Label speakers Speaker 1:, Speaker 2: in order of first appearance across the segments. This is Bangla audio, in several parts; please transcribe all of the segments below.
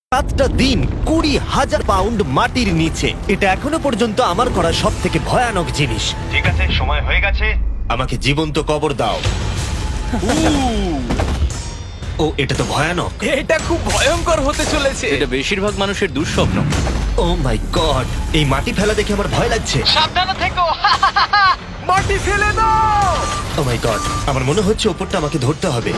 Speaker 1: 7টা দিন 20,000 পাউন্ড মাটির নিচে। এটা এখনো পর্যন্ত আমার করা সব থেকে ভয়ানক জিনিস। ঠিক আছে, সময় হয়ে গেছে, আমাকে জীবন্ত কবর দাও। ও, এটা তো ভয়ানক।
Speaker 2: এটা খুব ভয়ঙ্কর হতে চলেছে।
Speaker 3: এটা বেশিরভাগ মানুষের দুঃস্বপ্ন।
Speaker 1: ও মাই গড, এই মাটি ফেলা দেখে আমার ভয় লাগছে।
Speaker 2: সাবধানে থেকো। মাটি ফেলে দাও।
Speaker 1: ও মাই গড, আমার মনে হচ্ছে ওপরটা আমাকে ধরতে হবে।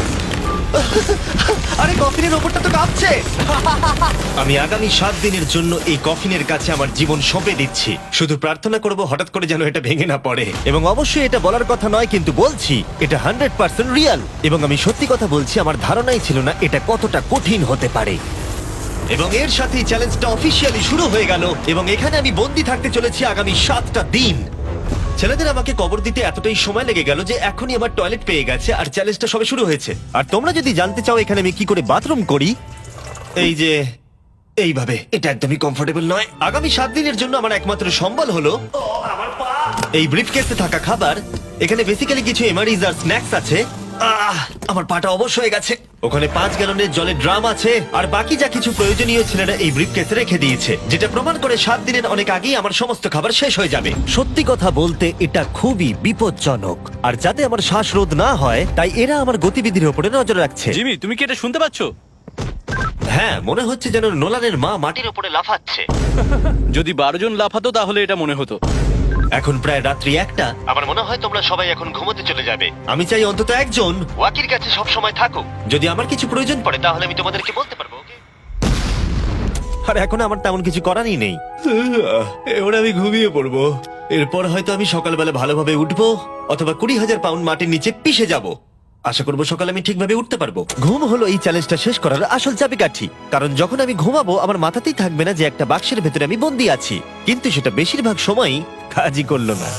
Speaker 1: আরে কফিনের ওপরটা তো কাঁপছে। আমি আগামী 7 দিনের জন্য এই কফিনের কাছে আমার জীবন সঁপে দিচ্ছি। শুধু প্রার্থনা করব হঠাৎ করে যেন এটা ভেঙে না পড়ে। এবং অবশ্যই এটা বলার কথা নয়, কিন্তু বলছি এটা 100% রিয়েল। এবং আমি সত্যি কথা বলছি, আমার ধারণাই ছিল না এটা কতটা কঠিন হতে পারে। এবং এর সাথেই চ্যালেঞ্জটা অফিসিয়ালি শুরু হয়ে গেল। এবং এখানে আমি বন্দি থাকতে চলেছি আগামী 7টা দিন। ছেলেদের আমাকে কবর দিতে এতটাই সময় লেগে গেল যে এখনই আমার টয়লেট পেয়ে গেছে, আর চ্যালেঞ্জটা সবে শুরু হয়েছে। আর তোমরা যদি জানতে চাও এখানে আমি কি করে বাথরুম করি, এই যে এইভাবে, এটা একদমই কমফোর্টেবল নয়। আগামী 7 দিনের জন্য আমার একমাত্র সম্বল হলো এই ব্রিফকেসে থাকা খাবার। এখানে বেসিক্যালি কিছু এমারিজ আর স্ন্যাক্স আছে। আমার পাটা অবশ হয়ে গেছে। ওখানে 5 গ্যালনের জলের ড্রাম আছে, আর বাকি যা কিছু প্রয়োজনীয় ছেলেরা এই ব্রিফকেসে রেখে দিয়েছে, যেটা প্রমাণ করে 7 দিনের অনেক আগেই আমার সমস্ত খাবার শেষ হয়ে যাবে। সত্যি কথা বলতে এটা খুবই বিপজ্জনক, আর যাতে আমার শ্বাসরোধ না হয় তাই এরা আমার গতিবিধির উপরে নজর রাখছে।
Speaker 3: জিমি, তুমি কি এটা শুনতে পাচ্ছ?
Speaker 1: হ্যাঁ, মনে হচ্ছে যেন নোলানের মা মাটির উপরে লাফাচ্ছে।
Speaker 3: যদি 12 জন লাফাতো তাহলে এটা মনে হতো।
Speaker 1: এখন প্রায় রাত্রি 1টা। আমার মনে হয় তোমরা সবাই এখন ঘুমোতে চলে যাবে। আমি চাই অন্তত একজন ওয়াকির কাছে সব সময় থাকুক। যদি আমার কিছু প্রয়োজন পড়ে তাহলে আমি তোমাদেরকে বলতে পারবো, ওকে? আর এখন আমার তেমন কিছু করারই নেই। এবার আমি ঘুমিয়ে পড়বো। এরপর হয়তো আমি সকালবেলা ভালোভাবে উঠবো, অথবা 20,000 পাউন্ড মাটির নিচে পিষে যাব। আশা করবো সকালে আমি ঠিকভাবে উঠতে পারবো। ঘুম হলো এই চ্যালেঞ্জটা শেষ করার আসল চাবিকাঠি। কারণ যখন আমি ঘুমাবো আমার মাথাতেই থাকবে না যে একটা বাক্সের ভেতরে আমি বন্দি আছি। কিন্তু সেটা বেশিরভাগ সময়ই কাজই করলো না।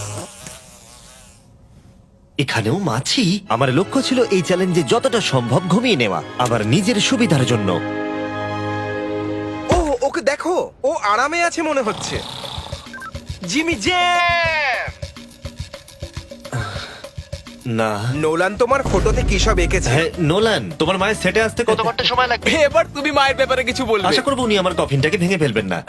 Speaker 1: এখানেও মাছি। আমার লক্ষ্য ছিল এই চ্যালেঞ্জে যতটা সম্ভব ঘুমিয়ে নেওয়া, আমার নিজের সুবিধার জন্য।
Speaker 2: ও, ওকে দেখো, ও আরামে আছে মনে হচ্ছে। Jimmy jam.
Speaker 1: না,
Speaker 2: নোলান তোমার ফটোতে কি সব এঁকেছে?
Speaker 1: হ্যাঁ নোলান, তোমার মায়ের সেটে আসতে কত ঘন্টা সময় লাগবে?
Speaker 2: এবার তুমি মায়ের ব্যাপারে কিছু বলবে।
Speaker 1: আশা করবো উনি আমার কফিনটাকে ভেঙে ফেলবেন না।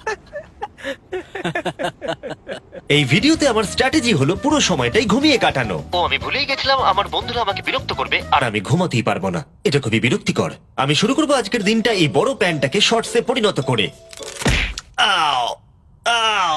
Speaker 1: এই ভিডিওতে আমার স্ট্র্যাটেজি হলো পুরো সময়টাই ঘুমিয়ে কাটানো। ও, আমি ভুলেই গেছিলাম আমার বন্ধুরা আমাকে বিরক্ত করবে আর আমি ঘুমাতেই পারবো না। এটা খুবই বিরক্তিকর। আমি শুরু করবো আজকের দিনটা এই বড় প্যান্টটাকে শর্টসে পরিণত করে। আও, আও,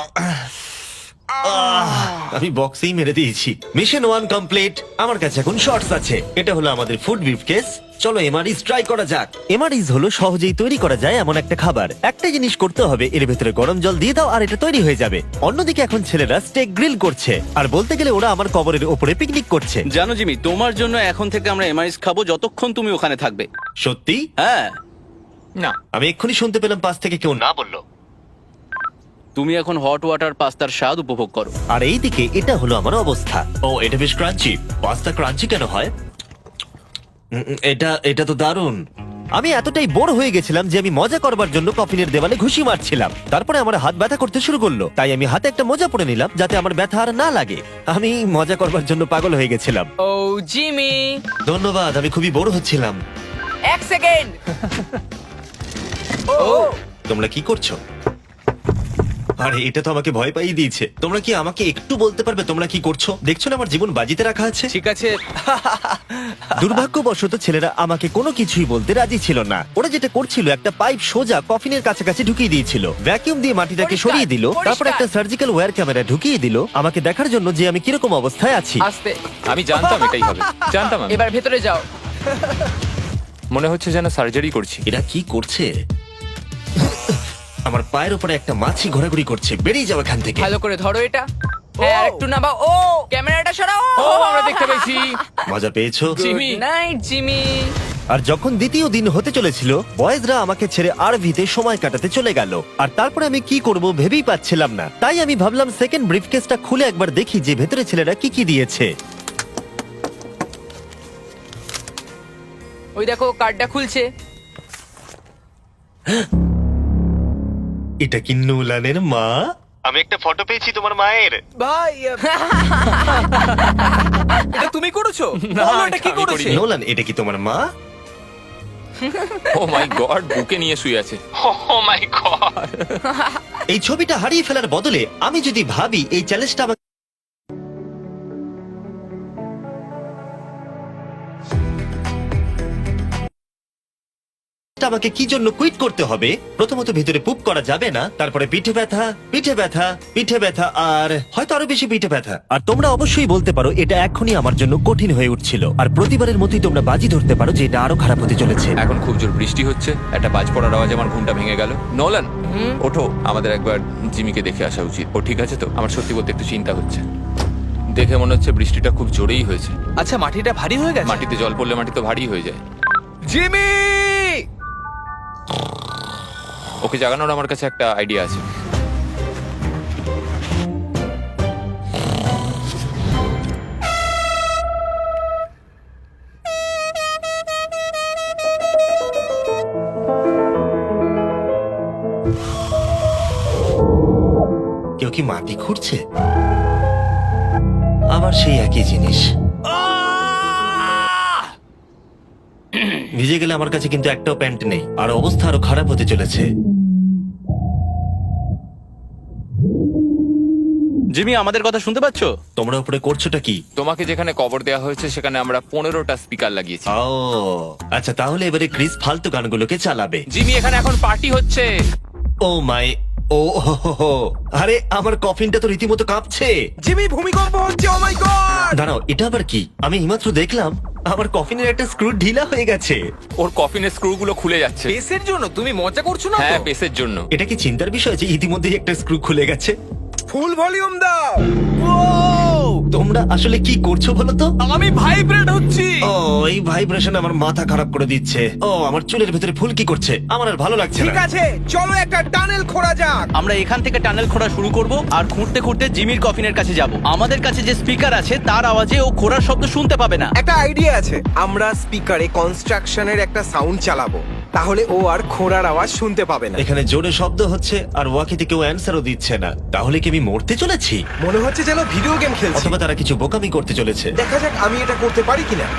Speaker 1: আমি বক্সেই মেরে দিয়েছি। Mission 1 complete. আমার কাছে এখন শর্টস আছে। এটা হলো আমাদের ফুড ব্রিফকেস। চলো এমআরইস ট্রাই করা যাক। এমআরইস হলো সহজেই তৈরি করা যায় এমন একটা খাবার। একটা জিনিস করতে হবে, এর ভেতরে গরম জল দিয়ে দাও আর এটা তৈরি হয়ে যাবে। অন্যদিকে এখন ছেলেরা স্টেক গ্রিল করছে, আর বলতে গেলে ওরা আমার কবরের ওপরে পিকনিক করছে।
Speaker 3: জানো জিমি, তোমার জন্য এখন থেকে আমরা এমআইস খাবো যতক্ষণ তুমি ওখানে থাকবে।
Speaker 1: সত্যি?
Speaker 3: হ্যাঁ।
Speaker 2: না,
Speaker 1: আমি এক্ষুনি শুনতে পেলাম পাশ থেকে কেউ না বললো।
Speaker 3: তুমি এখন হট ওয়াটার পাস্তার স্বাদ উপভোগ করো।
Speaker 1: আর এইদিকে এটা হলো আমার অবস্থা। ও, এটা বেশ ক্রাঞ্চি। পাস্তা ক্রাঞ্চি কেন হয়? এটা তো দারুণ। আমি এতটাই বোর হয়ে গেছিলাম যে আমি মজা করবার জন্য কফিনের দেওয়ালে ঘুষি মারছিলাম। তারপরে আমার হাত ব্যথা করতে শুরু করলো, তাই আমি হাতে একটা মোজা পরে নিলাম যাতে আমার ব্যথা আর না লাগে। আমি মজা করবার জন্য পাগল হয়ে গেছিলাম।
Speaker 4: ও জিমি,
Speaker 1: ধন্যবাদ, আমি খুবই বোর হচ্ছিলাম।
Speaker 4: 1 সেকেন্ড।
Speaker 2: ও
Speaker 1: তোমরা কি করছো? আরে এটা তো আমাকে ভয় পাইয়ে দিয়েছে। তোমরা কি আমাকে একটু বলতে পারবে তোমরা কি করছো? দেখছো না আমার জীবন বাজিতে রাখা আছে।
Speaker 2: ঠিক আছে।
Speaker 1: দুর্ভাগ্যবশত ছেলেরা আমাকে কোনো কিছুই বলতে রাজি ছিল না। ওরা যেটা করছিল, একটা পাইপ সোজা কফিনের কাছাকাছি ঢুকিয়ে দিয়েছিল, ভ্যাকিউম দিয়ে মাটিটাকে
Speaker 4: পরিষ্কার,
Speaker 1: সরিয়ে দিল, তারপর
Speaker 4: পরিষ্কার।
Speaker 1: একটা সার্জিক্যাল ওয়্যার ক্যামেরা ঢুকিয়ে দিল আমাকে দেখার জন্য যে আমি কিরকম অবস্থায় আছি।
Speaker 4: আস্তে,
Speaker 5: আমি জানতাম এটাই হবে, জানতাম আমি।
Speaker 4: এবার ভেতরে যাও।
Speaker 5: মনে হচ্ছে যেন সার্জারি করছি।
Speaker 1: এরা কি করছে? আমার পায়ের উপরে একটা মাছি ঘোরাঘুরি করছে। বেরিয়ে যাও এখান থেকে।
Speaker 4: ভালো করে ধরো এটা। হ্যাঁ, আর একটু নামাও। ও, ক্যামেরাটা সরাও।
Speaker 5: ও, আমরা দেখতে পেয়েছি।
Speaker 1: মজা পেয়েছো?
Speaker 5: জিমি।
Speaker 4: Good night Jimmy.
Speaker 1: আর যখন দ্বিতীয় দিন হতে চলেছিল, বয়েজরা আমাকে ছেড়ে আরভিতে সময় কাটাতে চলে গেল। আর তারপরে আমি কি করব ভেবেই পাচ্ছিলাম না। তাই আমি ভাবলাম সেকেন্ড ব্রিফকেসটা খুলে একবার দেখি যে ভেতরে ছেলেরা কি কি দিয়েছে।
Speaker 4: ওই দেখো, কার্ডটা খুলছে।
Speaker 1: এটা কি নোলানের মা? আমি একটা ফটো পেয়েছি তোমার মায়ের।
Speaker 2: ভাই, এটা তুমি করেছো?
Speaker 5: না,
Speaker 2: বলো, এটা কি
Speaker 5: এটা আমি
Speaker 2: করেছে?
Speaker 5: করিনি।
Speaker 1: নোলান, এটা কি তোমার মা?
Speaker 5: ও মাই গড, বুকে নিয়ে শুয়ে আছে। Oh my god.
Speaker 1: এই ছবিটা হারিয়ে ফেলার বদলে আমি যদি ভাবি এই চ্যালেঞ্জটা আমাকে কি জন্য কুইট করতে হবে, প্রথমত ভিতরে পুপ করা যাবে না, তারপরে পিঠে ব্যথা, পিঠে ব্যথা, পিঠে ব্যথা, আর হয়তো আরো বেশি পিঠে ব্যথা। আর তোমরা অবশ্যই বলতে পারো এটা এখনই আমার জন্য কঠিন হয়ে উঠছিল, আর প্রতিবারের মতোই তোমরা বাজি ধরতে পারো যে এটা আরো খারাপ হতে চলেছে।
Speaker 5: এখন খুব জোর বৃষ্টি হচ্ছে, একটা বাজ পড়ার আওয়াজে আমার ঘুমটা ভেঙে গেল। নোলান, ওঠো, আমাদের একবার জিমিকে দেখে আসা উচিত। ও ঠিক আছে তো? আমার সত্যি বলতে একটু চিন্তা হচ্ছে। দেখে মনে হচ্ছে বৃষ্টিটা খুব জোরেই হয়েছে।
Speaker 6: আচ্ছা, মাটিটা ভারী হয়ে গেছে।
Speaker 5: মাটিতে জল পড়লে মাটি তো ভারী হয়ে যায়।
Speaker 2: জিমি!
Speaker 5: ওকে জাগানোর আমার কাছে একটা আইডিয়া আছে।
Speaker 1: কেউ কি মাটি খুঁড়ছে? আবার সেই একই জিনিস। ভিজে গেলে আমার কাছে কিন্তু একটাও প্যান্ট নেই, আর অবস্থা আরো খারাপ হতে চলেছে।
Speaker 3: জিমি, আমাদের কথা শুনতে পাচ্ছো?
Speaker 1: তোমরা উপরে করছোটা কি?
Speaker 5: তোমাকে যেখানে কবর দেওয়া হয়েছে সেখানে আমরা 15টা স্পিকার লাগিয়েছি।
Speaker 1: ও আচ্ছা, তাহলে এবারে ক্রিস ফালতু গানগুলোকে চালাবে।
Speaker 5: জিমি, এখানে এখন পার্টি হচ্ছে।
Speaker 1: ও মাই, ও হো হো হো। আরে আমার কফিনটা তো রীতিমতো কাঁপছে।
Speaker 2: জিমি, ভূমিকম্প হচ্ছে! Oh my god!
Speaker 1: দাঁড়াও, এটা আবার কি? আমি এইমাত্র দেখলাম আমার কফিনের একটা স্ক্রু ঢিলা হয়ে গেছে।
Speaker 5: ওর কফিনের স্ক্রুগুলো খুলে যাচ্ছে।
Speaker 6: পেসের জন্য তুমি মজা করছো না তো?
Speaker 5: হ্যাঁ, পেসের জন্য।
Speaker 1: এটা কি চিন্তার বিষয় যে ইতিমধ্যেই একটা স্ক্রু খুলে গেছে?
Speaker 2: ফুল ভলিউম দাও!
Speaker 1: তোমরা আসলে কি করছো বলো তো?
Speaker 6: আমি ভাইব্রেট হচ্ছি।
Speaker 1: ও, এই ভাইব্রেশন আমার মাথা খারাপ করে দিচ্ছে। ও, আমার চুলের ভেতরে ফুলকি করছে, আমার আর ভালো লাগছে
Speaker 2: ঠিক
Speaker 1: না।
Speaker 2: আছে, চলো একটা টানেল খোঁড়া যাক।
Speaker 3: আমরা এখান থেকে টানেল খোঁড়া শুরু করব আর খুঁড়তে খুঁড়তে জিমির কফিনের কাছে যাব। আমাদের কাছে যে স্পিকার আছে তার আওয়াজে ও খোঁড়ার শব্দ শুনতে পাবে না।
Speaker 2: একটা আইডিয়া আছে, আমরা স্পিকারে কনস্ট্রাকশনের একটা সাউন্ড চালাবো, তাহলে ও আর খোঁড়ার আওয়াজ শুনতে পাবে না।
Speaker 1: এখানে জোরে শব্দ হচ্ছে আর ওয়াকিতে কেউ অ্যান্সারও দিচ্ছে না। তাহলে কি আমি মরতে চলেছি,
Speaker 2: মনে হচ্ছে যেন ভিডিও গেম খেলছি।
Speaker 1: অথবা তারা কিছু বোকামি করতে চলেছে?
Speaker 2: দেখা যাক আমি এটা করতে পারি কিনা।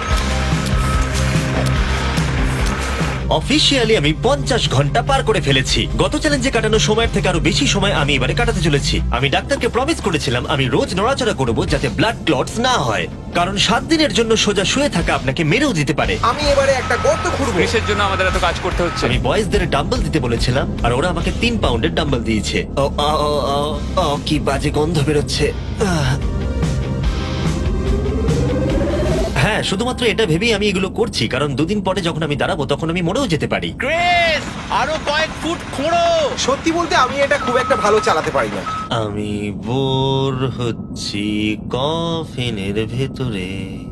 Speaker 1: অফিসিয়ালি আমি 50 ঘন্টা পার করে ফেলেছি। গত চ্যালেঞ্জে কাটানো সময়ের থেকে আরো বেশি সময় আমি এবারে কাটাতে চলেছি। আমি ডাক্তারকে প্রমিস করেছিলাম আমি রোজ নড়াচড়া করব যাতে ব্লাড ক্লটস না হয়, কারণ 7 দিনের জন্য সোজা শুয়ে থাকা আপনাকে মেরেও দিতে পারে।
Speaker 2: আমি এবারে একটা গর্ত খুঁড়বো।
Speaker 5: পেসের জন্য আমাদের এত কাজ করতে হচ্ছে।
Speaker 1: আমি বয়েজদের ডাম্বল দিতে বলেছিলাম আর ওরা আমাকে 3 পাউন্ডের ডাম্বল দিয়েছে। ও, ও, ও, ও, ও, কি বাজে গন্ধ বেরোচ্ছে। হ্যাঁ, শুধুমাত্র এটা ভেবেই আমি এগুলো করছি, কারণ 2 দিন পরে যখন আমি দাঁড়াবো তখন আমি মরেও যেতে পারি।
Speaker 3: ক্রিস, আরো কয়েক ফুট খোঁড়ো।
Speaker 2: সত্যি বলতে আমি এটা খুব একটা ভালো চালাতে পারি না।
Speaker 1: আমি বোর হচ্ছি কফিনের ভেতরে।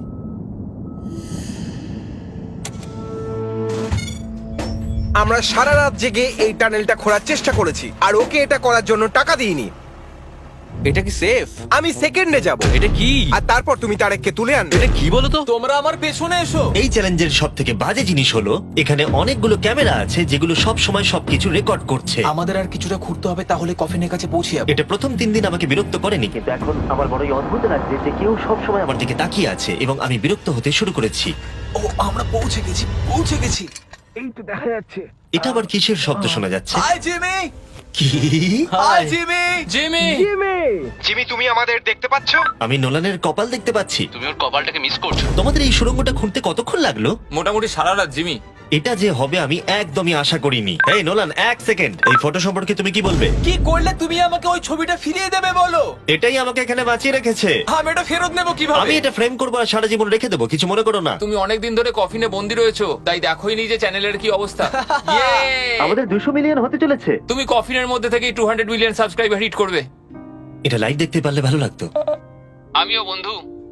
Speaker 2: আমরা সারা রাত জেগে এই টানেলটা খোঁড়ার চেষ্টা করেছি, আর ওকে এটা করার জন্য টাকা দিইনি।
Speaker 3: এটা কি সেফ?
Speaker 2: আমি সেকেন্ডে যাব,
Speaker 3: এটা কি?
Speaker 2: আর তারপর তুমি তারেককে তুলে আনবে।
Speaker 3: এটা কি বলো তো?
Speaker 6: তোমরা আমার পেছনে এসো।
Speaker 1: এই চ্যালেঞ্জের সব থেকে বাজে জিনিস হলো এখানে অনেকগুলো ক্যামেরা আছে যেগুলো সব সময় সবকিছু রেকর্ড করছে।
Speaker 6: আমাদের আর কিছুটা ঘুরতে হবে, তাহলে কফিনের কাছে পৌঁছে যাবো।
Speaker 1: এটা প্রথম 3 দিন আমাকে বিরক্ত করেনি, কিন্তু এখন আমার বড়ই অদ্ভুত লাগছে যে কেউ সব সময় আমার দিকে তাকিয়ে আছে এবং আমি বিরক্ত হতে শুরু করেছি।
Speaker 6: ও, আমরা পৌঁছে গেছি, পৌঁছে গেছি।
Speaker 2: এই তো দেখা যাচ্ছে।
Speaker 1: এটা আবার কিসের শব্দ শোনা যাচ্ছে?
Speaker 6: Hi Jimmy.
Speaker 1: কি?
Speaker 6: Hi Jimmy.
Speaker 5: জিমি,
Speaker 2: জিমি, তুমি আমাদের দেখতে পাচ্ছ?
Speaker 1: আমি নোলানের কপাল দেখতে পাচ্ছি।
Speaker 3: তুমি ওর কপালটাকে মিস করছো।
Speaker 1: তোমাদের এই সুড়ঙ্গটা খুঁড়তে কতক্ষণ লাগলো?
Speaker 5: মোটামুটি সারা রাত। জিমি,
Speaker 1: এটা যে হবে আমি একদমই আশা করিনি। এই নোলান, 1 সেকেন্ড, এই ফটো সম্পর্কে তুমি কি বলবে?
Speaker 6: কি করলে তুমি আমাকে ওই ছবিটা ফিরিয়ে দেবে বলো?
Speaker 1: এটাই আমাকে এখানে বাঁচিয়ে রেখেছে।
Speaker 6: আমি এটা ফেরত নেবো কিভাবে?
Speaker 1: আমি এটা ফ্রেম করবো আর সারা জীবন রেখে দেবো, কিছু মনে করো না।
Speaker 5: তুমি অনেকদিন ধরে কফিনে বন্দি রয়েছো, তাই দেখোই নি যে চ্যানেলের কি অবস্থা। Yay!
Speaker 1: আমাদের 200 মিলিয়ন হতে চলেছে।
Speaker 5: তুমি কফিনের মধ্যে থেকেই 200 মিলিয়ন সাবস্ক্রাইবার হিট করবে।
Speaker 1: এটা লাইভ দেখতে পারলে ভালো লাগতো।
Speaker 5: আমিও বন্ধু।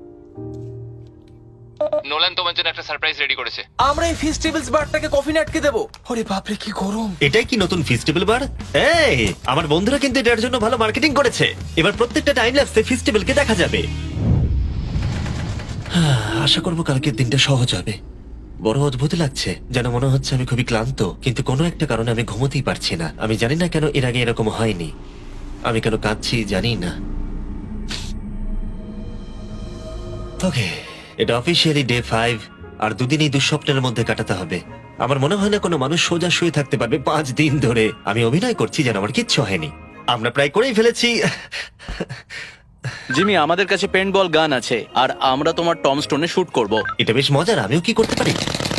Speaker 5: নোলান তোমার জন্য একটা সারপ্রাইজ রেডি করেছে।
Speaker 6: আমরা এই ফেস্টিভ্যালস বারটাকে কফিনে আটকে দেবো। ওরে বাপরে, কি গরম।
Speaker 1: এটাই কি নতুন ফেস্টিভ্যাল বার? এই, আমার বন্ধুরা কিন্তু এটার জন্য ভালো মার্কেটিং করেছে। এবার প্রত্যেকটা টাইম ল্যাপসে ফেস্টিভ্যালকে দেখা যাবে। আশা করবো কালকের দিনটা সহজ হবে। বড় অদ্ভুত লাগছে, যেন মনে হচ্ছে আমি খুবই ক্লান্ত, কিন্তু কোনো একটা কারণে আমি ঘুমোতেই পারছি না। আমি জানি না কেন এর আগে এরকম হয়নি। আমি কেন কাঁদছি জানি না। ওকে, এটা অফিসিয়ালি ডে 5, আর 2 দিন এই দুঃস্বপ্নের মধ্যে কাটাতে হবে। আমার মনে হয় না কোনো মানুষ সোজা শুয়ে থাকতে পারবে 5 দিন ধরে। আমি অভিনয় করছি যেন আমার কিচ্ছু হয়নি। আমরা প্রায় করেই ফেলেছি।
Speaker 3: জিমি, আমাদের কাছে পেন্টবল গান আছে আর আমরা তোমার টম স্টোনে শুট করব।
Speaker 1: এটা বেশ মজার, আমিও কি করতে পারি?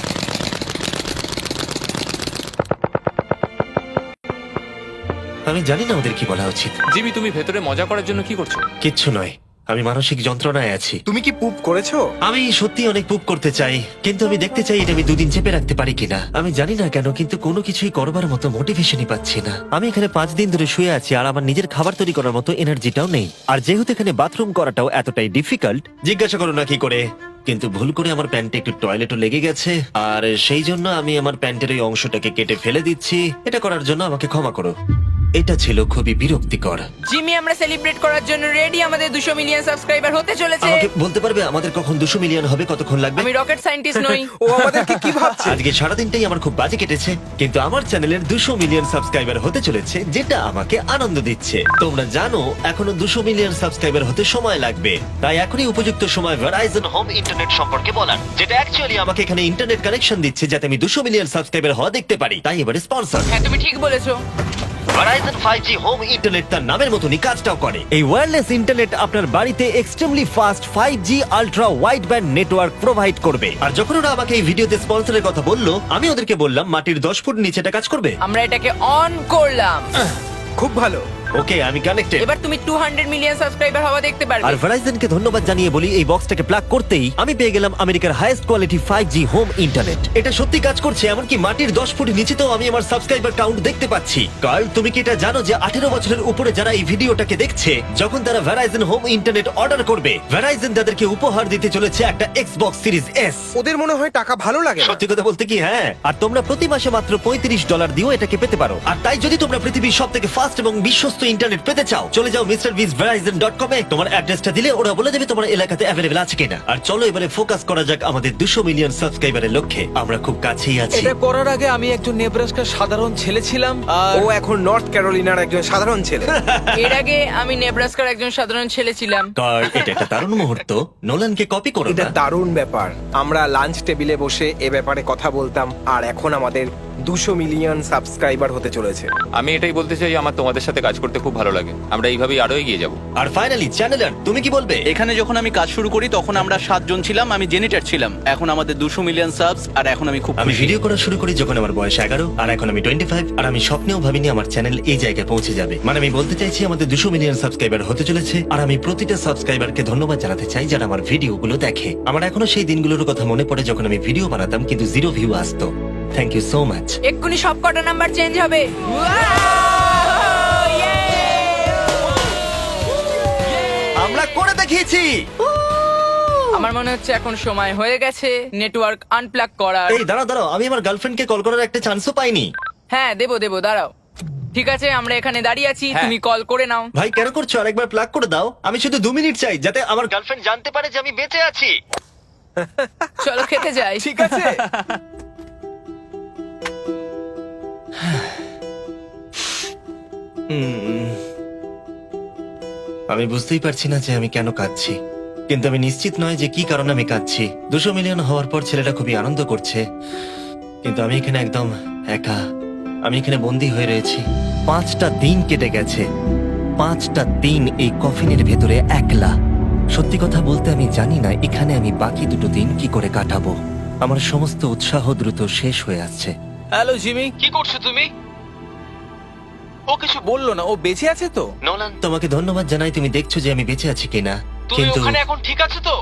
Speaker 1: আমি জানি না ওদের কি বলা উচিত।
Speaker 5: জিমি, তুমি ভেতরে মজা করার জন্য কি করছো?
Speaker 1: কিচ্ছু নয়, আমি মানসিক যন্ত্রণায় আছি।
Speaker 2: তুমি কি পুপ করেছো?
Speaker 1: আমি সত্যি অনেক পুপ করতে চাই, কিন্তু আমি দেখতে চাই এটা আমি 2 দিন চেপে রাখতে পারি কিনা। আমি জানি না কেন, কিন্তু কোনো কিছুই করবার মতো মোটিভেশনই পাচ্ছি না। আমি এখানে 5 দিন ধরে শুয়ে আছি আর আমার নিজের খাবার তৈরি করার মতো এনার্জিটাও নেই। আর যেহেতু এখানে বাথরুম করাটাও এতটাই ডিফিকাল্ট, জিজ্ঞাসা করো না কি করে, কিন্তু ভুল করে আমার প্যান্টে একটু টয়লেটও লেগে গেছে, আর সেই জন্য আমি আমার প্যান্টের ওই অংশটাকে কেটে ফেলে দিচ্ছি। এটা করার জন্য আমাকে ক্ষমা করো। এটা ছিল খুবই বিরক্তিকর।
Speaker 4: জিমি, আমরা সেলিব্রেট করার জন্য রেডি। আমাদের 200 মিলিয়ন সাবস্ক্রাইবার হতে চলেছে।
Speaker 1: আমাকে বলতে পারবে আমাদের কখন 200 মিলিয়ন হবে, কতক্ষণ লাগবে?
Speaker 4: আমি রকেট সায়েন্টিস্ট নই।
Speaker 2: ও আমাদেরকে কি ভাবছে?
Speaker 1: আজকে সারাদিনটাই আমার খুব বাজে কেটেছে, কিন্তু আমার চ্যানেলের 200 মিলিয়ন সাবস্ক্রাইবার হতে চলেছে, যেটা আমাকে আনন্দ দিচ্ছে। তোমরা জানো এখনো 200 মিলিয়ন সাবস্ক্রাইবার হতে সময় লাগবে, তাই এখনই উপযুক্ত সময় ভেরাইজন হোম ইন্টারনেট সম্পর্কে বলার, যেটা অ্যাকচুয়ালি আমাকে এখানে ইন্টারনেট কানেকশন দিচ্ছে যাতে আমি 200 মিলিয়ন সাবস্ক্রাইবার হওয়া দেখতে পারি। তাই এবারে স্পন্সর
Speaker 4: হ্যাঁ, তুমি ঠিক বলেছো।
Speaker 1: ভেরাইজন 5G হোম ইন্টারনেট তার নামের মতনই কাজটাও করে। এই ওয়্যারলেস ইন্টারনেট আপনার বাড়িতে extremely fast 5G ultra wide band network provide করবে। আর যখন ওরা আমাকে এই ভিডিওতে স্পন্সরের কথা বললো, আমি ওদেরকে বললাম মাটির 10 ফুট নিচে এটা কাজ করবে।
Speaker 4: আমরা এটাকে অন করলাম।
Speaker 2: খুব ভালো।
Speaker 1: ওকে, আমি কানেক্টেড।
Speaker 4: এবার তুমি 200 মিলিয়ন সাবস্ক্রাইবার হওয়া দেখতে পারবে।
Speaker 1: আর ভেরাইজনকে ধন্যবাদ জানিয়ে বলি, এই বক্সটাকে প্লাগ করতেই আমি পেয়ে গেলাম আমেরিকার highest quality 5G home internet. এটা সত্যি কাজ করছে, এমনকি মাটির 10 ফুট নিচেতেও আমি আমার সাবস্ক্রাইবার কাউন্ট দেখতে পাচ্ছি। কার্ল, তুমি কি এটা জানো যে 18 বছরের উপরে যারা এই ভিডিওটাকে দেখছে, যখন তারা ভেরাইজন হোম ইন্টারনেট অর্ডার করবে, ভেরাইজন তাদেরকে উপহার দিতে চলেছে একটা Xbox Series S।
Speaker 2: ওদের মনে হয় টাকা ভালো লাগে না।
Speaker 1: সত্যি কথা বলতে কি, হ্যাঁ। আর তোমরা প্রতি মাসে মাত্র $35 দিয়েও এটাকে পেতে পারো। আর তাই যদি তোমরা পৃথিবীর সবথেকে ফাস্ট এবং বিশ্বস্ত ইন্টারনেট পেতে চাও, চলে যাও MrBeastVerizon.com এ। তোমার অ্যাড্রেসটা দিলে ওরা বলে দেবে তোমার এলাকাতে অ্যাভেলেবল আছে কিনা। আর চলো এবারে ফোকাস করা যাক আমাদের 200 মিলিয়ন সাবস্ক্রাইবারের লক্ষ্যে। আমরা খুব কাছেই আছি।
Speaker 6: এটা করার আগে আমি একজন নেব্রাস্কার সাধারণ ছেলে ছিলাম আর
Speaker 2: ও এখন নর্থ ক্যারোলিনার একজন সাধারণ ছেলে।
Speaker 4: এর আগে আমি নেব্রাস্কার একজন সাধারণ ছেলে ছিলাম।
Speaker 1: কার্ল, এটা একটা দারুণ মুহূর্ত। নোলানকে কপি করো
Speaker 2: এটা
Speaker 1: না।
Speaker 2: দারুণ ব্যাপার। আমরা লাঞ্চ টেবিলে বসে এ ব্যাপারে কথা বলতাম, আর এখন আমাদের 200 মিলিয়ন সাবস্ক্রাইবার হতে চলেছে।
Speaker 5: আমি এটাই বলতে চাই, আমার তোমাদের সাথে কাজ করতে খুব ভালো লাগে। আমরা এইভাবেই আরো এগিয়ে যাব।
Speaker 1: আর ফাইনালি চ্যানেলার, তুমি কি বলবে?
Speaker 3: এখানে যখন আমি কাজ শুরু করি তখন আমরা 7 জন ছিলাম, আমি জেনিটার ছিলাম। এখন আমাদের 200 মিলিয়ন সাবস আর এখন আমি খুব
Speaker 1: আমি
Speaker 3: খুশি।
Speaker 1: ভিডিও করা শুরু করি যখন আমার বয়স 11, আর এখন আমি 25। আর আমি স্বপ্নেও ভাবিনি আমার চ্যানেল এই জায়গায় পৌঁছে যাবে। মানে আমি বলতে চাইছি আমাদের 200 মিলিয়ন সাবস্ক্রাইবার হতে চলেছে, আর আমি প্রতিটা সাবস্ক্রাইবারকে ধন্যবাদ জানাতে চাই যারা আমার ভিডিওগুলো দেখে। আমার এখনো সেই দিনগুলোর কথা মনে পড়ে যখন আমি ভিডিও বানাতাম কিন্তু 0 ভিউ আসতো। Thank you so much.
Speaker 4: এক্ষুনি সব কটা নাম্বার চেঞ্জ হবে।
Speaker 1: আমরা করে দেখিয়েছি।
Speaker 4: আমার মনে হচ্ছে এখন সময় হয়ে গেছে নেটওয়ার্ক আনপ্লাগ করার।
Speaker 1: এই দাঁড়াও দাঁড়াও, আমি আমার গার্লফ্রেন্ডকে কল করার একটা চান্সও পাইনি।
Speaker 4: হ্যাঁ, দেবো দাঁড়াও। ঠিক আছে, আমরা এখানে দাঁড়িয়ে আছি,
Speaker 5: হ্যাঁ।
Speaker 4: তুমি কল করে নাও।
Speaker 1: ভাই কেন করছো? আরেকবার প্লাগ করে দাও। আমি শুধু 2 মিনিট চাই যাতে আমার গার্লফ্রেন্ড জানতে পারে যে আমি বেঁচে আছি।
Speaker 4: চলো খেতে যাই।
Speaker 2: ঠিক আছে।
Speaker 1: আমি বুঝতেই পারছি না যে আমি কেন কাঁদছি, কিন্তু আমি নিশ্চিত নয় যে কি কারণে আমি কাঁদছি। 200 মিলিয়ন হওয়ার পর ছেলেটা খুবই আনন্দ করছে, কিন্তু আমি এখানে একদম একা। আমি এখানে বন্দী হয়ে রয়েছি। 5টা দিন কেটে গেছে, 5টা দিন এই কফিনের ভেতরে একলা। সত্যি কথা বলতে আমি জানি না এখানে আমি বাকি 2 দিন কি করে কাটাবো। আমার সমস্ত উৎসাহ দ্রুত শেষ হয়ে আসছে।
Speaker 6: হ্যালো জিমি, কি করছো তুমি? ও কিছু বললো না, ও বেঁচে আছে তো?
Speaker 1: নোলান, তোমাকে ধন্যবাদ জানাই, তুমি দেখছো যে আমি বেঁচে আছি কিনা। কিন্তু
Speaker 6: এখন ঠিক আছে তো?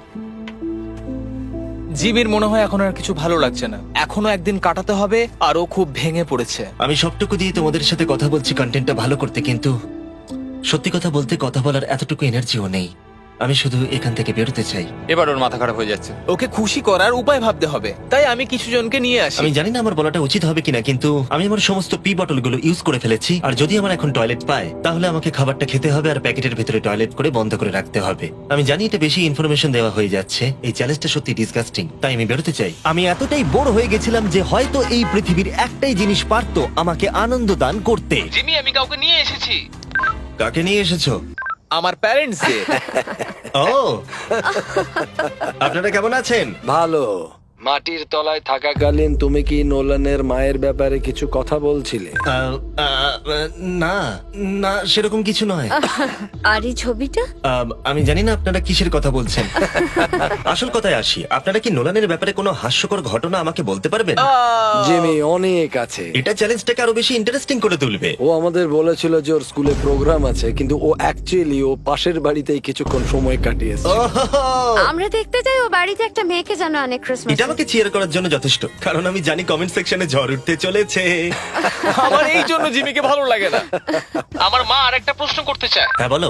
Speaker 6: জিমির মনে হয় এখন আর কিছু ভালো লাগছে না। এখনো একদিন কাটাতে হবে আর ও খুব ভেঙে পড়েছে।
Speaker 1: আমি সবটুকু দিয়ে তোমাদের সাথে কথা বলছি কন্টেন্টটা ভালো করতে, কিন্তু সত্যি কথা বলতে কথা বলার এতটুকু এনার্জিও নেই। আমি শুধু এখান থেকে বেরোতে চাই।
Speaker 5: এবার ওর মাথা খারাপ হয়ে যাচ্ছে।
Speaker 6: ওকে খুশি করার উপায় ভাবতে হবে, তাই আমি কিছু জনকে নিয়ে আসি।
Speaker 1: আমি জানি না আমার বলাটা উচিত হবে কিনা, কিন্তু আমি আমার সমস্ত পি বটলগুলো ইউজ করে ফেলেছি। আর যদি আমার এখন টয়লেট পায়, তাহলে আমাকে খাবারটা খেতে হবে আর প্যাকেটের ভিতরে টয়লেট করে বন্ধ করে রাখতে হবে। আমি জানি এটা বেশি ইনফরমেশন দেওয়া হয়ে যাচ্ছে, এই চ্যালেঞ্জটা সত্যি ডিসগাস্টিং, তাই আমি বেরোতে চাই। আমি এতটাই বোর হয়ে গেছিলাম যে হয়তো এই পৃথিবীর একটাই জিনিস পারতো আমাকে আনন্দ দান করতে।
Speaker 6: জিমি, আমি কাউকে নিয়ে এসেছি।
Speaker 1: কাকে নিয়ে এসেছো?
Speaker 6: আমার প্যারেন্টসকে।
Speaker 1: ও, আপনারা কেমন আছেন?
Speaker 7: ভালো। মাটির তলায় থাকাকালীন তুমি কি নোলানের মায়ের ব্যাপারে কিছু কথা বলছিলে?
Speaker 1: না না সেরকম কিছু নয়।
Speaker 8: আর এই ছবিটা?
Speaker 1: আমি জানি না আপনারা কিসের কথা বলছেন। আসল কথায় আসি, আপনারা কি নোলানের ব্যাপারে কোনো হাস্যকর ঘটনা আমাকে বলতে পারবেন?
Speaker 7: জিমি, অনেক আছে।
Speaker 1: এটা চ্যালেঞ্জটাকে আরো বেশি ইন্টারেস্টিং করে তুলবে।
Speaker 7: ও আমাদের বলেছিল যে ওর স্কুলে প্রোগ্রাম আছে, কিন্তু ও অ্যাকচুয়ালি ও পাশের বাড়িতেই কিছুক্ষণ সময় কাটিয়েছে।
Speaker 8: আমরা দেখতে যাই ও বাড়িতে একটা মেয়েকে জানো অনেক ক্রিসমাস।
Speaker 1: এটা আমাকে চিয়ার করার জন্য যথেষ্ট, কারণ আমি জানি কমেন্ট সেকশনে ঝড় উঠতে চলেছে।
Speaker 6: আমার এই জন্য জিমিকে ভালো লাগে না। আমার মা আরেকটা প্রশ্ন করতে চায়।
Speaker 1: হ্যাঁ বলো।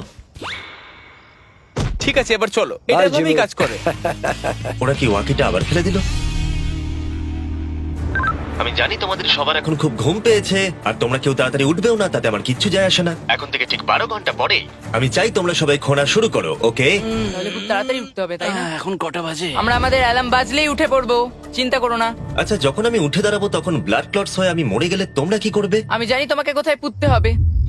Speaker 6: ঠিক আছে, এবার চলো, এটা
Speaker 7: Bye,
Speaker 6: এভাবেই
Speaker 7: জিমি।
Speaker 6: কাজ করে।
Speaker 1: ওরা কি ওয়াকিটা আবার ফেলে দিল? আমি জানি তোমাদের সবার এখন খুব ঘুম পেয়েছে, আর তোমরা কেউ তাড়াতাড়ি উঠবেও না, তাতে আমার কিচ্ছু যায় আসে না। এখন থেকে ঠিক 12 ঘন্টা পরে আমি চাই তোমরা সবাই খোঁড়া শুরু করো, ওকে?
Speaker 4: তাহলে খুব তাড়াতাড়ি উঠতে হবে, তাই না?
Speaker 3: এখন কটা বাজে?
Speaker 4: আমরা আমাদের অ্যালার্ম বাজলেই উঠে পড়বো, চিন্তা করো না।
Speaker 1: আচ্ছা, যখন আমি উঠে দাঁড়াবো তখন ব্লাড ক্লটস হয়ে আমি মরে গেলে তোমরা কি করবে?
Speaker 4: আমি জানি তোমাকে কোথায় পুঁততে হবে।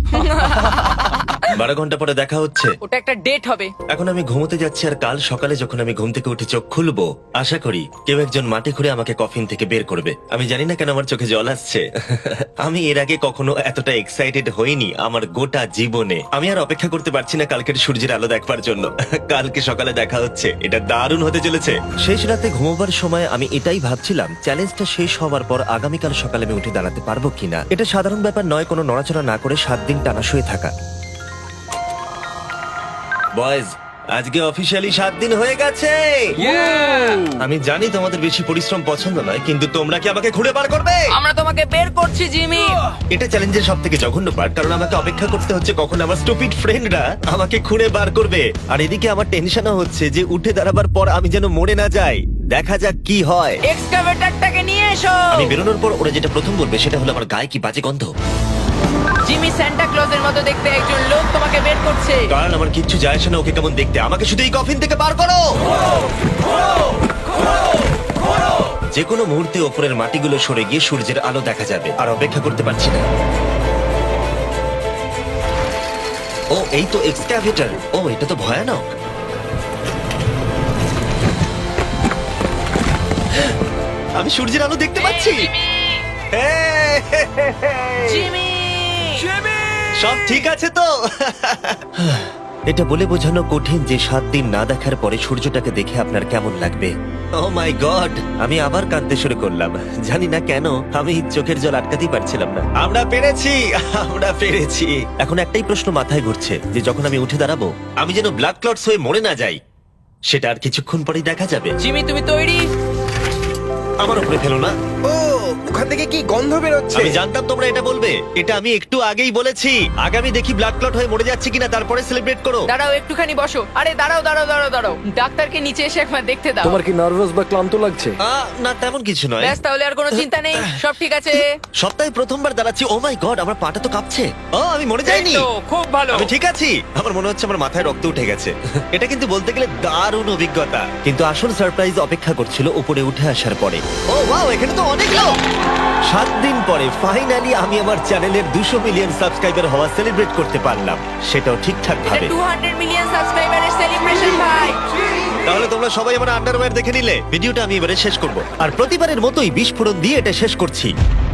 Speaker 1: 12 ঘন্টা পরে দেখা হচ্ছে।
Speaker 4: ওটা একটা ডেট হবে।
Speaker 1: এখন আমি ঘুমোতে যাচ্ছি, আর কাল সকালে যখন আমি ঘুম থেকে উঠে চোখ খুলবো, আশা করি কেউ একজন মাটি খুঁড়ে আমাকে কফিন থেকে বের করবে। আমি জানি না কেন আমার চোখে জল আসছে। আমি এর আগে কখনো এতটা এক্সাইটেড হইনি আমার গোটা জীবনে। আমি আর অপেক্ষা করতে পারছি না কালকের সূর্যের আলো দেখবার জন্য। কালকে সকালে দেখা হচ্ছে, এটা দারুণ হতে চলেছে। শেষ রাতে ঘুমোবার সময় আমি এটাই ভাবছিলাম, চ্যালেঞ্জটা শেষ হওয়ার পর আগামীকাল সকালে আমি উঠে দাঁড়াতে পারবো কিনা। এটা সাধারণ ব্যাপার নয় কোনো নড়াচড়া না করে 7 দিন টানা শুয়ে থাকা। বয়েজ, আজকে অফিসিয়ালি 7 দিন হয়ে গেছে। আমি জানি তোমাদের বেশি পরিশ্রম পছন্দ নয়, কিন্তু তোমরা কি আমাকে খুঁড়ে বার করবে?
Speaker 4: আমরা তোমাকে বের করছি, জিমি।
Speaker 1: এটা চ্যালেঞ্জের সব থেকে জঘন্য পার্ট, কারণ আমাকে অপেক্ষা করতে হচ্ছে কখন আমার স্টুপিড ফ্রেন্ডরা আমাকে খুঁড়ে বার করবে। আর এদিকে আমার টেনশনও হচ্ছে যে উঠে দাঁড়াবার পর আমি যেন মরে না যাই। দেখা যাক কি হয়।
Speaker 4: এক্সকাভেটরটাকে নিয়ে এসো।
Speaker 1: আমি বেরোনোর পর ওরা যেটা প্রথম বলবে সেটা হলো আমার গায়ে কি বাজে গন্ধ।
Speaker 4: জিমি সান্টা ক্লজের মতো দেখতে একজন লোক তোমাকে বের করছে।
Speaker 1: কারণ আমার কিচ্ছু যায় আসে না ওকে কেমন দেখতে, আমাকে শুধু এই কফিন থেকে বার করো। যে কোনো মুহূর্তে ওপরের মাটিগুলো সরে গিয়ে সূর্যের আলো দেখা যাবে, আর অপেক্ষা করতে পারছি না। ও, এই তো এক্সক্যাভেটর। ও, এটা তো ভয়ানক। আমি সূর্যের আলো দেখতে পাচ্ছি।
Speaker 4: জিমি,
Speaker 1: সব ঠিক আছে তো? এটা বলে বোঝানো কঠিন যে 7 দিন না দেখার পরে সূর্যটাকে দেখে আপনার কেমন লাগবে। ও মাই গড, আমি আবার কাঁদতে শুরু করলাম। জানি না কেন, আমি চোখের জল আটকাতেই পারছিলাম না। আমরা পেরেছি, আমরা পেরেছি। এখন একটাই প্রশ্ন মাথায় ঘুরছে, যে যখন আমি উঠে দাঁড়াবো আমি যেন ব্লাড ক্লটস হয়ে মরে না যাই। সেটা আর কিছুক্ষণ পরেই দেখা যাবে।
Speaker 4: জিমি, তুমি তৈরি?
Speaker 1: আমার উপরে ফেলো না।
Speaker 2: ও, ওখান থেকে কি গন্ধ বেরোচ্ছে?
Speaker 1: আমি জানতাম তোমরা এটা বলবে। এটা আমি একটু আগেই বলেছি। আগামী দেখি ব্লাড ক্লট হয়ে মরে যাচ্ছে কিনা, তারপরে সেলিব্রেট করো।
Speaker 4: দাঁড়াও, একটুখানি বসো। আরে দাঁড়াও দাঁড়াও দাঁড়াও দাঁড়াও, ডাক্তারকে নিচে এসে একবার দেখতে দাও।
Speaker 7: তোমার কি নার্ভাস বা ক্লান্ত লাগছে?
Speaker 1: না, তেমন কিছু নয়।
Speaker 4: ব্যাস, তাহলে আর কোনো চিন্তা নেই, সব ঠিক আছে।
Speaker 1: সপ্তাহে প্রথমবার দাঁড়াচ্ছি। ও মাই গড, আমার পাটা তো কাঁপছে। ও, আমি মরে যাইনি।
Speaker 6: এই তো, খুব ভালো।
Speaker 1: আমি ঠিক আছি। আমার মনে হচ্ছে আমার মাথায় রক্ত উঠে গেছে। এটা কিন্তু বলতে গেলে দারুণ অভিজ্ঞতা। কিন্তু আসল সারপ্রাইজ অপেক্ষা করছিল উপরে উঠে আসার পরে। ও ওয়াও, এখানে তো অনেক লোক। 7 দিন পরে ফাইনালি আমি আমার চ্যানেলের 200 মিলিয়ন সাবস্ক্রাইবার হওয়া সেলিব্রেট করতে পারলাম, সেটাও ঠিকঠাক
Speaker 4: এটা
Speaker 1: ভাবে।
Speaker 4: 200 মিলিয়ন সাবস্ক্রাইবারের সেলিব্রেশন, ভাই।
Speaker 1: তাহলে তোমরা সবাই আমার আন্ডারওয়্যার দেখে নিলে। ভিডিওটা আমি এবারে শেষ করব, আর প্রতিবারের মতোই বিস্ফোরণ দিয়ে এটা শেষ করছি।